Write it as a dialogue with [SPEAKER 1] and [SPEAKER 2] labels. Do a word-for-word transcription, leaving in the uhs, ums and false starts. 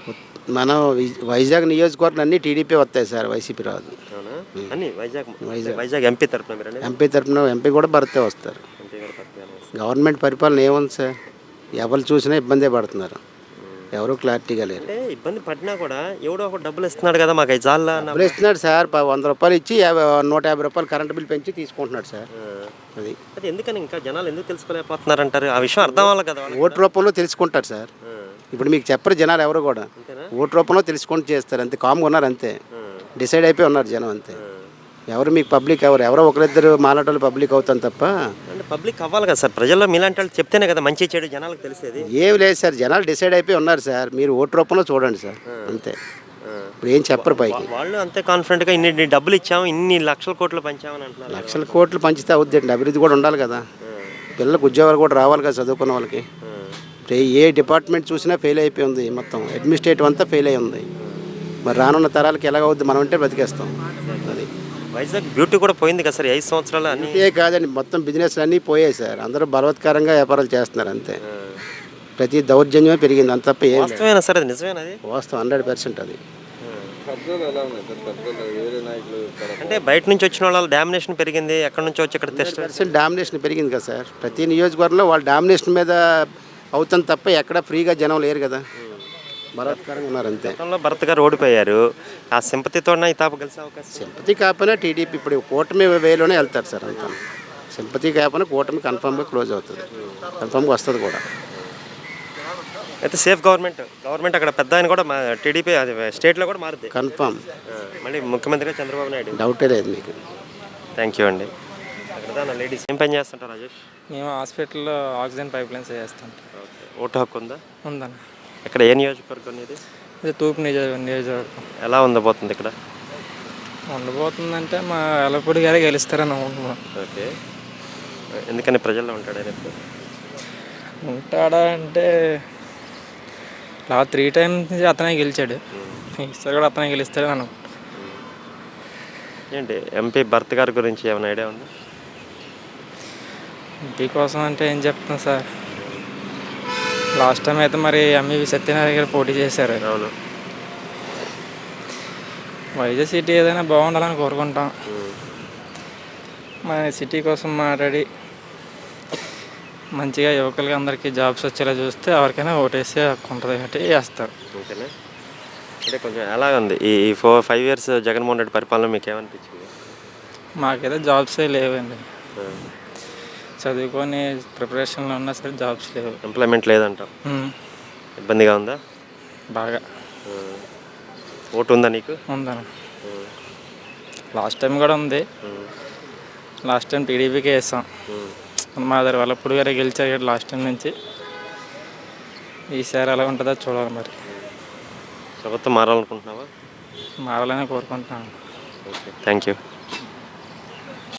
[SPEAKER 1] మన వై- వైజాగ్ నియోజకవర్గం అన్నీ టీడీపీ వస్తాయి సార్, వైసీపీ రాదు.
[SPEAKER 2] అవునా? అన్ని వైజాగ్
[SPEAKER 1] వైజాగ్
[SPEAKER 2] వైజాగ్ ఎంపీ తరపున మీరు అనేది
[SPEAKER 1] ఎంపీ తరఫున ఎంపీ కూడా భర్తే వస్తారు.
[SPEAKER 2] ఎంపీ గారు తరపున వస్తారు.
[SPEAKER 1] గవర్నమెంట్ పరిపాలన ఏముంది సార్, ఎవరు చూసినా ఇబ్బందే పడుతున్నారు, ఎవరు క్లారిటీగా లేరు.
[SPEAKER 2] అంటే ఇబ్బంది పడినా కూడా ఎవడో ఒక డబ్బులు ఇస్తున్నాడు కదా, మాకు ఐదు సార్లు
[SPEAKER 1] డబ్బులు ఇస్తున్నాడు సార్, ప- వంద రూపాయలు ఇచ్చి యాభై నూట యాభై రూపాయలు కరెంట్ బిల్ పెంచి తీసుకుంటున్నాడు సార్. అది
[SPEAKER 2] అది ఎందుకని ఇంకా జనాలు ఎందుకు తెలుసుకోలేకపోతున్నారు అంటారు? ఆ విషయం అర్థం అవ్వాలి కదా వాళ్ళకి.
[SPEAKER 1] ఓటు రూపంలో తెలుసుకుంటారు సార్.
[SPEAKER 2] ఆ,
[SPEAKER 1] ఇప్పుడు మీకు చెప్పరు జనాలు ఎవరు కూడా,
[SPEAKER 2] అంతేనా?
[SPEAKER 1] ఓటు రూపంలో తెలుసుకుంటూ చేస్తారు అంతే. కామ్గా ఉన్నారు అంతే,
[SPEAKER 2] ఆ,
[SPEAKER 1] డిసైడ్ అయిపోయి ఉన్నారు జనం అంతే.
[SPEAKER 2] ఆ.
[SPEAKER 1] ఎవరు మీకు పబ్లిక్ ఎవరు ఎవరో ఒకరిద్దరు మాలాటోళ్ళు పబ్లిక్ అవుతాం తప్ప
[SPEAKER 2] అంటే పబ్లిక్ అవ్వాలి కదా సార్, ప్రజల్లో మీలాంటి వాళ్ళు చెప్తేనే కదా మంచి చెడు జనాలకు తెలిసేది.
[SPEAKER 1] ఏం లేదు సార్, జనాలు డిసైడ్ అయిపోయి ఉన్నారు సార్, మీరు ఓటు రూపంలో చూడండి సార్ అంతే.
[SPEAKER 2] ఆ.
[SPEAKER 1] ఇప్పుడు ఏం చెప్పరు పైకి.
[SPEAKER 2] వా- వాళ్ళు అంతే కాన్ఫిడెంట్గా ఇన్ని ఇన్ని డబ్బులు ఇచ్చాము, ఇన్ని లక్షల కోట్లు పంచామని అంటున్నారు.
[SPEAKER 1] లక్షల కోట్లు పంచితే అవుద్దండి, అభివృద్ధి కూడా ఉండాలి కదా,
[SPEAKER 2] ఆ,
[SPEAKER 1] పిల్లలకు ఉద్యోగాలు కూడా రావాలి కదా చదువుకున్న వాళ్ళకి.
[SPEAKER 2] ఆ,
[SPEAKER 1] ఇప్పుడు ఏ డిపార్ట్మెంట్ చూసినా ఫెయిల్ అయిపోయి ఉంది, మొత్తం అడ్మినిస్ట్రేటివ్ అంతా ఫెయిల్ అయి ఉంది. మరి రానున్న తరాలకి ఎలాగవుద్ది, మనం అంటే బతికేస్తాం. అది
[SPEAKER 2] వైజాగ్ బ్యూటీ కూడా పోయింది కదా సార్, ఈ ఐదు సంవత్సరాలు అన్ని.
[SPEAKER 1] ఏ కాదండి, మొత్తం బిజినెస్లు అన్నీ పోయాయి సార్, అందరూ బలవత్కరంగా వ్యాపారాలు చేస్తున్నారు అంతే.
[SPEAKER 2] ఆ.
[SPEAKER 1] ప్రతి దౌర్జన్యమే పెరిగింది అంత తప్ప ఏం లేదు.
[SPEAKER 2] వాస్తవేనా సార్, అది నిజమేనా అది?
[SPEAKER 1] వాస్తవం హండ్రెడ్ పర్సెంట్ అది.
[SPEAKER 2] అంటే బయట నుంచి వచ్చిన వాళ్ళ డామినేషన్ పెరిగింది, ఎక్కడి నుంచో వచ్చి ఇక్కడ టెస్ట్.
[SPEAKER 1] పర్సెంట్ డామినేషన్ పెరిగింది కదా సార్, ప్రతి నియోజకవర్గంలో వాళ్ళ డామినేషన్ మీద అవుతుంది తప్ప ఎక్కడ ఫ్రీగా జనం లేరు కదా, బలవత్కరంగా ఉన్నారు అంతే.
[SPEAKER 2] గతంలో భరత్ గారు ఓడిపోయారు, ఆ సింపతితో ఈ తాప కలిసే అవకాశం.
[SPEAKER 1] సింపతి కాకపోయినా టీడీపీ ఇప్పుడు కూటమి వేలోనే వెళ్తారు సార్ అంతా. సింపతి కాకపోయినా కూటమి కన్ఫామ్గా క్లోజ్ అవుతుంది, కన్ఫామ్గా వస్తుంది కూడా.
[SPEAKER 2] అయితే సేఫ్ గవర్నమెంట్ గవర్నమెంట్ అక్కడ పెద్ద ఆయన కూడా మా టీడీపీ అది స్టేట్లో కూడా మారుద్ది
[SPEAKER 1] కన్ఫామ్,
[SPEAKER 2] ఆ, మళ్ళీ ముఖ్యమంత్రిగా చంద్రబాబు నాయుడు.
[SPEAKER 1] డౌటే లేదు మీకు.
[SPEAKER 2] థ్యాంక్ యూ అండి. అక్కడ నా లేడీస్ ఏం పని చేస్తుంటారు రాజేష్?
[SPEAKER 3] మేము హాస్పిటల్లో ఆక్సిజన్ పైప్ లైన్స్ వేస్తుంటాం.
[SPEAKER 2] ఓకే, ఓటు హక్కు ఉందా?
[SPEAKER 3] ఉందన్న.
[SPEAKER 2] ఇక్కడ ఏ నియోజకవర్గం ఇది?
[SPEAKER 3] ఇది తూర్పు నియోజక నియోజకవర్గం.
[SPEAKER 2] ఎలా ఉండబోతుంది ఇక్కడ?
[SPEAKER 3] ఉండబోతుందంటే మా ఎలపూడి గారే గెలుస్తారని అనుకుంటున్నాం.
[SPEAKER 2] ఓకే, ఎందుకని ప్రజల్లో ఉంటాడు ఆయన ఎప్పుడు?
[SPEAKER 3] ఉంటాడా అంటే లా త్రీ టైమ్స్ నుంచి అతనే గెలిచాడు, ఈసారి కూడా అతనే గెలుస్తాడని అనుకుంటున్నాం.
[SPEAKER 2] ఏంటి ఎంపీ భర్త్ గారి గురించి ఏమైనా ఐడియా ఉందా?
[SPEAKER 3] ఎంపీ కోసం అంటే ఏం చెప్తాం సార్, లాస్ట్ టైం అయితే మరి ఎంఈవి సత్యనారాయణ గారు పోటీ చేశారు.
[SPEAKER 2] అవును.
[SPEAKER 3] వైజాగ్ సిటీ ఏదైనా బాగుండాలని కోరుకుంటాం. మన సిటీ కోసం మాట్లాడి మంచిగా యువకులకి అందరికీ జాబ్స్ వచ్చేలా చూస్తే ఎవరికైనా ఓటేసే హక్కు ఉంటుంది కాబట్టి వేస్తారు.
[SPEAKER 2] ఓకేనా? అంటే కొంచెం ఎలా ఉంది ఈ four five years Jaganmohan Reddy పరిపాలన మీకు ఏమనిపించింది?
[SPEAKER 3] మాకైతే జాబ్సే లేవండి, చదువుకొని ప్రిపరేషన్లో ఉన్నా సరే జాబ్స్ లేవు.
[SPEAKER 2] ఎంప్లాయ్మెంట్ లేదంటావు,
[SPEAKER 3] ఉమ్,
[SPEAKER 2] ఇబ్బందిగా ఉందా?
[SPEAKER 3] బాగా.
[SPEAKER 2] ఓటు ఉందా నీకు?
[SPEAKER 3] ఉందన్న. లాస్ట్ టైం కూడా ఉంది, లాస్ట్ టైం టీడీపీకే వేస్తాం. మా దగ్గర వాళ్ళప్పుడు గారే గెలిచారు లాస్ట్ టైం నుంచి. ఈసారి ఎలా ఉంటుందో చూడాలి మరి.
[SPEAKER 2] ప్రభుత్వం మారాలనుకుంటున్నావా?
[SPEAKER 3] మారాలని కోరుకుంటున్నాను.
[SPEAKER 2] Okay, thank you.